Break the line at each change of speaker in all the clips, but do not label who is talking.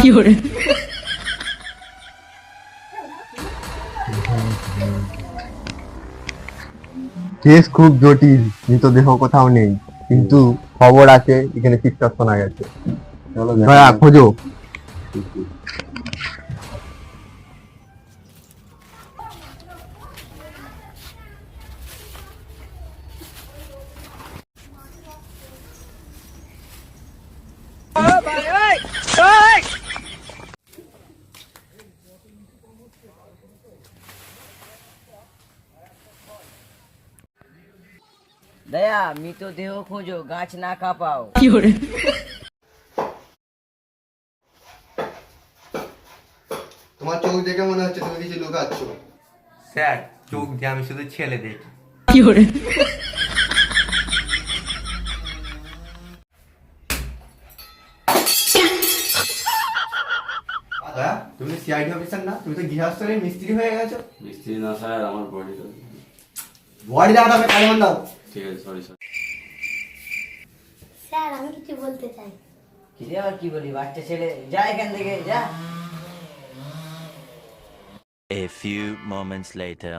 Case খুব জটিল, মৃতদেহ কোথাও নেই, কিন্তু খবর আছে এখানে চিৎকার শোনা গেছে। দয়া খোঁজো।
দয়া মৃতদেহ খোঁজো, গাছ না কাঁপাও।
তোমার চোখ দেখে মনে হচ্ছে তুমি কিছু লুকাচ্ছ।
স্যার, চোখ দিয়ে আমি শুধু ছেলে দেখি।
দয়া, তুমি সিআইডি অফিসার না? তুমি তো গৃহস্থলের মিস্ত্রি হয়ে গেছো।
মিস্ত্রি না স্যার, আমার বডি।
বডি দাও, আমি কালিমন দাও।
ঠিক আছে, সরি স্যার।
স্যার আমি কিছু বলতে চাই।
কি রে, আবার কি বলি? বাচ্চা ছেলে, যা এখান থেকে যা।
A few moments later.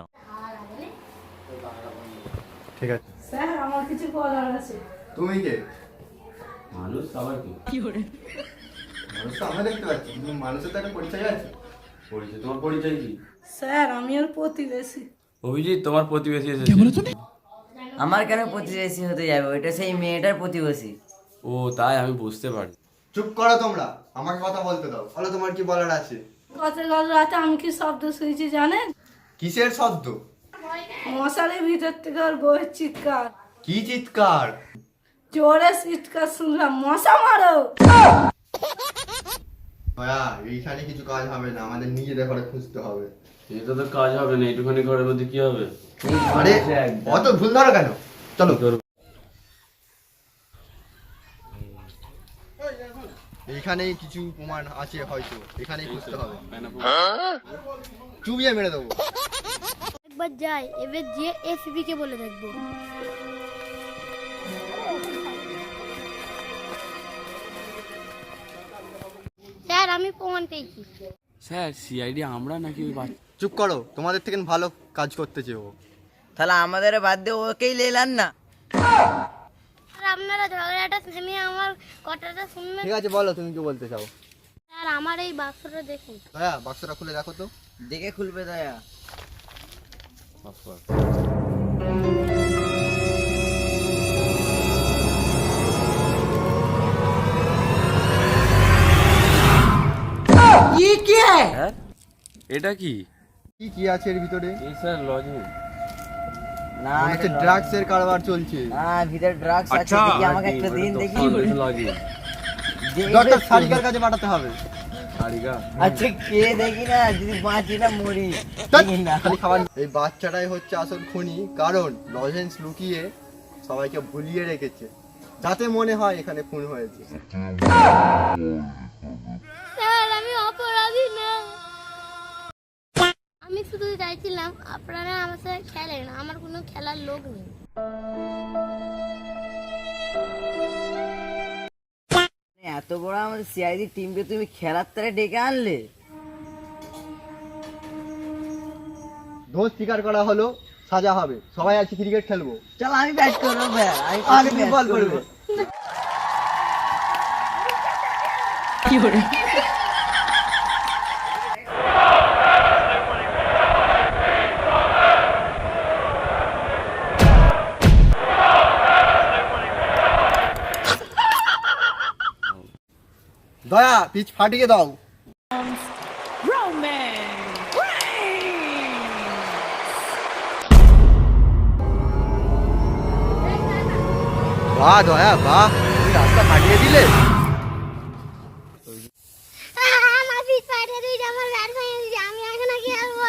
ঠিক আছে।
স্যার আমার কিছু বলার আছে।
তুমি কে?
মানুষ সবাই কি
মানুষ তো আমরা দেখতে পাচ্ছি, কিন্তু মানুষের তো একটা পরিচয় আছে।
পরিচয়? তোমার পরিচয় কি?
স্যার আমি ওর প্রতিবেশী।
অভিজিৎ, তোমার প্রতিবেশী এসেছে।
আমার কেন প্রতিবেশী হতে যাবে? ওইটা সেই মেয়েটার প্রতিবেশী।
ও তাই, আমি বুঝতে পারি।
চুপ করো তোমরা, আমাকে কথা বলতে দাও। বলো তোমার কি বলার আছে।
গতকাল রাতে আমি কি শব্দ শুনেছি জানেন?
কিসের শব্দ?
মশারির ভিতর থেকে ওর বউয়ের চিৎকার।
কি চিৎকার?
জোরে চিৎকার শুনলাম, মশা মারো।
দয়া, এইখানে কিছু কাজ হবে না, আমাদের নিজেদের ঘরে খুঁজতে হবে।
এটা তো কাজ হবে না, এইটুখানি ঘরের মধ্যে কি হবে?
আরে অত ভুল ধরো কেন? চলো। এইখানেই কিছু প্রমাণ আছে, হয়তো এখানেই খুঁজতে হবে। চুবিয়ে মেরে দেবো।
একবার যাই, এবার যে এসপি কে বলে দেখবো। স্যার আমি প্রমাণ পেয়েছি।
স্যার, সিআইডি আমরা নাকি ওই বাচ্চা?
চুপ করো, তোমাদের থেকে ভালো কাজ করতেছে ও।
তাহলে আমাদের বাদ দিয়ে ওকেই লেলান না।
স্যার আপনারা ঝগড়াটা থেমে আমার কথাটা শুনবেন।
ঠিক আছে, বলো তুমি কি বলতে চাও।
স্যার আমার এই বাক্সটা দেখুন।
দয়া, বাক্সটা খুলে দেখো তো।
দেখে খুলবে দয়া।
হ্যাঁ, এটা কি?
কি কি আছে এর ভিতরে?
এই স্যার লজিং।
না,
মনে হচ্ছে ড্রাগস এর কারবার চলছে।
ভিতরে ড্রাগস আছে। দেখি আমাকে একটা দিন, দেখি।
লজিং।
ডক্টর সারিকার কাছে পাঠাতে হবে।
সারিকা?
আচ্ছা কে দেখি না, যদি বাঁচি না মরি।
ধ্যাৎ,
দেখি না।
খালি খাবার। এই বাচ্চাটাই হচ্ছে আসল খুনি, কারণ লজেন্স লুকিয়ে সবাইকে ভুলিয়ে রেখেছে, যাতে মনে হয় এখানে খুন হয়েছে।
স্যার আমি অপরাধী না। আমি শুধু চাইছিলাম আপনারা আমার সাথে খেলেন, আমার কোনো খেলার লোক নেই।
এত বড় আমাদের সিআইডি টিমকে তুমি খেলার তারে ডেকে আনলে?
দোষ স্বীকার করা হলো, সাজা হবে। সবাই আজকে ক্রিকেট খেলবো।
চল আমি ব্যাট করবো।
আগে তুমি বল করবে। দয়া, পিচ ফাটিয়ে দাও। বাহ দয়া, বাহ, তুমি রাস্তা ফাটিয়ে দিলে।
আমার পিঠ ফাটিয়ে দিয়েছে, আমার ব্যাট ভেঙে দিয়েছে, আমি এখন খেলবো।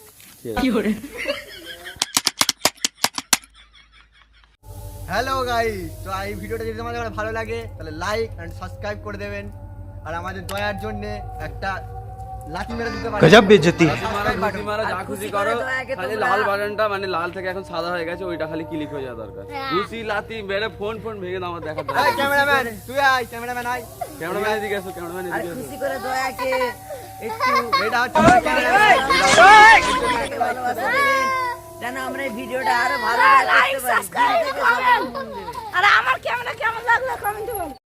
হ্যালো গাইস, তো এই ভিডিওটা যদি তোমাদের ভালো লাগে তাহলে লাইক এন্ড সাবস্ক্রাইব করে দেবেন, আর আমাদের দয়ার জন্য একটা লাঠি মেরে দিতে পারি।
गजब बेइज्जती
ঘুষি মারা যা খুশি করো,
দয়াকে
খালি
তোমরা-
লাল বাটনটা মানে লাল থেকে এখন সাদা হয়ে গেছে, ওইটা খালি ক্লিক হয়ে যাওয়া দরকার। ঘুষি লাথি মেরে ফোন ভেঙে দাও আমার দেখার
এই
দরকার।
ক্যামেরাম্যান তুই আয়, ক্যামেরাম্যান আয়।
ক্যামেরাম্যান এদিকে এসো, ক্যামেরাম্যান
আর
এদিকে এসো।
খুশি করে দয়াকে একটু
এটা হচ্ছে আমার ক্যামেরাম্যান।
দয়াকে ভালোবাসা দেবেন, যেন আমরা এই ভিডিওটা আরো ভালো
লাইক
করতে পারি।
সাবস্ক্রাইব
দিল থেকে সবাই
কমেন্ট
মন দেবে।
আর আমার ক্যামেরা কেমন লাগলো কমেন্টে বলো